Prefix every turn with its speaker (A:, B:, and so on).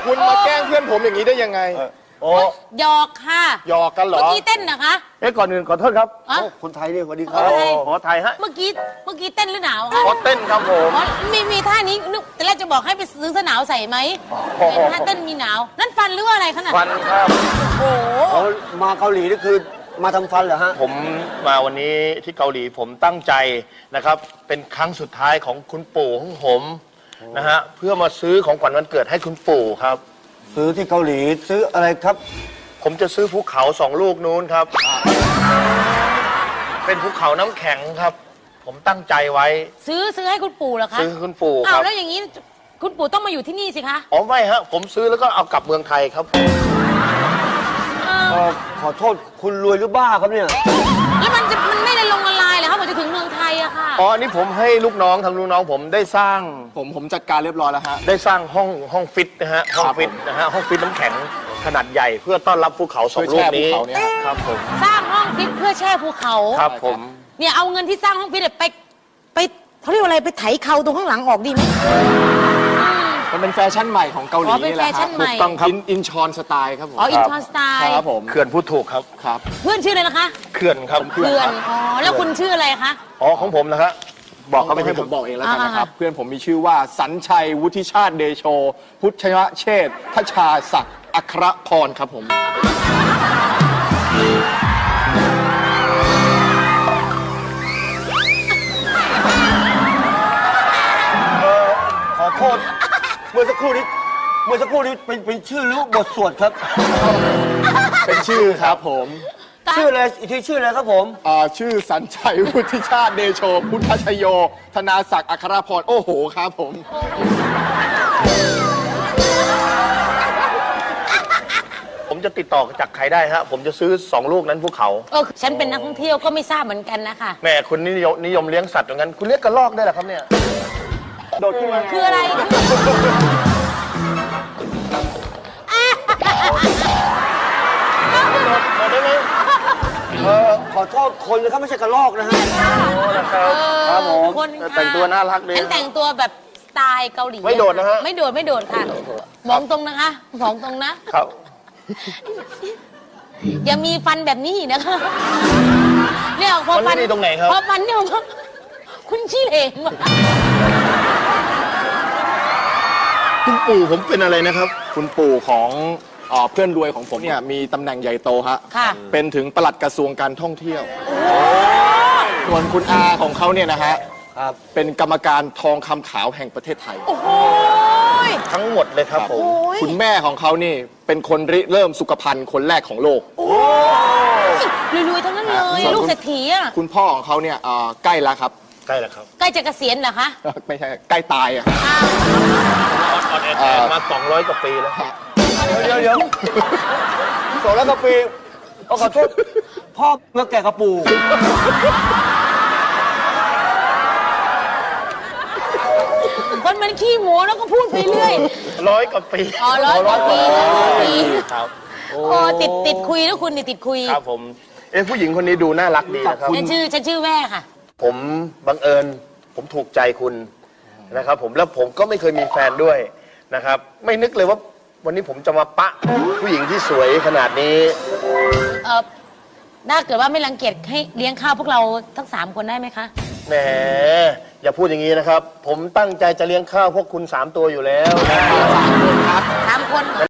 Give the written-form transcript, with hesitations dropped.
A: คุณมาแกล้งเพื่อนผมอย่างนี้ได้ยังไง
B: โอ้
C: หยอกค่ะ
A: หยอกกันเหรอ
C: เมื่อกี้เต้นนะคะ
B: ก่อนอื่นขอโทษครับ
D: คนไทยนี่สวัสดีครับ
B: ขอไทยฮะ
C: เมื่อกี้เต้นหรือหนาวคะ
B: ขอเต้นครับผม
C: มีท่านี้นึกแต่แรกจะบอกให้ไปซื้อเสื้อหนาวใส่ไหมเป็นท่าเต้นมีหนาวนั่นฟันหรือว่าอะไรขนาด
B: ฟันครับ
C: โอ้โห
D: มาเกาหลีนี่คือมาทำฟันเหรอฮะ
B: ผมมาวันนี้ที่เกาหลีผมตั้งใจนะครับเป็นครั้งสุดท้ายของคุณปู่ของผมนะฮะเพื่อมาซื้อของขวัญวันเกิดให้คุณปู่ครับ
D: ซื้อที่เกาหลีซื้ออะไรครับ
B: ผมจะซื้อภูเขา2 ลูกนู้นครับ เป็นภูเขาน้ำแข็งครับ ผมตั้งใจไว้
C: ซื้อให้คุณปู่เหรอคะ
B: ซื้อให้คุณปู่ค
C: อ้าว
B: รับ
C: แล้วอย่างนี้คุณปู่ต้องมาอยู่ที่นี่สิคะ
B: อ๋อไม่ฮะผมซื้อแล้วก็เอากลับเมืองไทยครับ
D: ขอโทษคุณรวยหรือบ้าครับเนี่ย
C: แล้วมันไม่ได้ลงละลายเหรอคะผมจะถึงเมืองไทยอะค่ะ
B: อ๋ออันนี้ผมให้ลูกน้องทางลูกน้องผมได้สร้าง
A: ผมจัดการเรียบร้อยแล้วฮะ
B: ได้สร้างห้องฟิตนะฮะห้องฟิตนะฮะห้องฟิตน้ำแข็งขนาดใหญ่เพื่อต้อนรับภูเขา2 ลูกนี้ครับผม
C: สร้างห้องฟิตเพื่อแช่ภูเขา
B: ครับผม
C: เนี่ยเอาเงินที่สร้างห้องฟิตเนี่ยไปเขาเรียกว่าอะไรไปไถเขาตรงข้างหลังออกดีไหม
A: มันเป็นแฟชั่นใหม่ของเกาหลี
C: อ๋อเป็น
A: นี่แหละ
C: แฟชั่นใหม่
A: ถูกต้องครับอินชอนสไตล์ครับผม
C: อ๋ออินชอนสไตล์
A: ครับผม
B: เขื่อนพูดถูกครับ
A: ครับ
C: เพื่อนชื่ออะไรนะคะ
B: เขื่อนครับ
C: เพื่อนอ๋อแล้วคุณชื่ออะไรคะ
B: อ๋อของผมนะครับบอกเขาไป
A: ให้
B: ให้
A: ผ
B: ผม ม
A: บอกเองแล้วกันนะครับ
C: อ่า
A: เพื่อนผมมีชื่อว่าสัญชัยวุฒิชาติเดโช พุทธยเชษฐ์ทชาศักดิ์อัครพรครับผม
D: ขอโทษเมื่อสักครู่นี้เป็นชื่อหรือบทสวดครับ
A: เป็นชื่อครับผม
D: ชื่ออะไรอีกทีชื่ออะไรครับผม
A: ชื่อสัญชัยวุฒิชาติเดโช พุทธชโย ธนาศักดิ์อัครพรโอ้โหครับผม
B: ผมจะติดต่อจากใครได้ฮะผมจะซื้อ2 ลูกนั้นภูเขา
C: ฉันเป็นนักท่องเที่ยวก็ไม่ทราบเหมือนกันนะคะ
B: แม่คุณนิยมเลี้ยงสัตว์อย่างนั้นคุณเลี้ยงกระรอกได้เหรอครับเนี่ยโดดขึ้นมา
C: คืออะไร
B: โดดได้ไหม
D: ขอโทษคนนะครับไม่ใช่กระรอกนะฮะ
B: โอ้นะครับ
D: ครับผม
C: คนค่ะ
B: แต่งตัวน่ารักดี
C: ฉันแต่งตัวแบบสไตล์เกาหลี
B: ไม่โดดนะฮะ
C: ไม่โดดค่ะมองตรงนะคะมองตรงนะ
B: ครับ
C: อย่ามีฟันแบบนี้อีกนะคะเนี่ยพอ
B: มันไม่ดีตรงไหนครับ
C: พอฟันเนี่ยผมคุณชี้เหลงว่ะ
B: คุณปู่ผมเป็นอะไรนะครับ
A: คุณปู่ของเพื่อนรวยของผมเนี่ยมีตำแหน่งใหญ่โตฮะ
C: ค่ะ
A: เป็นถึงปลัดกระทรวงการท่องเที่ยว ส่วนคุณอาของเขาเนี่ยนะฮะ
D: ครับ
A: เป็นกรรมการทองคำขาวแห่งประเทศไทย
C: โอ้โห
B: ทั้งหมดเลยครับผม
C: โอ้ย
A: คุณแม่ของเขานี่เป็นคนริเริ่มสุขภัณฑ์คนแรกของโลก
C: รวยๆทั้งนั้นเลย
A: ส่วน
C: ลูกเศรษฐีอ่ะ
A: คุณพ่อของเขาเนี่ยใกล้แล้วครับ
B: ใกล้แล้วครับ
C: ใกล้จะเกษียณเหรอคะ
A: ไม่ใช่ใกล้ตายอะ
C: อ้าว
B: ออนแอร์มา200 กว่าปีแล้ว
D: เดี๋ยว200 กว่าปีขอโทษพ่อเมื่อแก่กระปู
C: คนมันขี้หมูแล้วก็พูดไปเรื่อย
B: 100 กว่าปี
C: อ๋อ100 กว่าปี100 ปี
B: ครับ
C: โอ้ติดคุยแล้วคุณนี่ติดคุย
B: ครับผมผู้หญิงคนนี้ดูน่ารักดีนะครับ
C: ฉันชื่อแว่ค่ะ
B: ผมบังเอิญผมถูกใจคุณนะครับผมแล้วผมก็ไม่เคยมีแฟนด้วยนะครับ ไม่นึกเลยว่าวันนี้ผมจะมาปะผู้หญิงที่สวยขนาดนี้
C: ถ้าเกิดว่าไม่รังเกียจให้เลี้ยงข้าวพวกเราทั้ง3 คนได้ไหมคะ
B: แหมอย่าพูดอย่างนี้นะครับ ผมตั้งใจจะเลี้ยงข้าวพวกคุณ3 ตัวอยู่แล้วนะ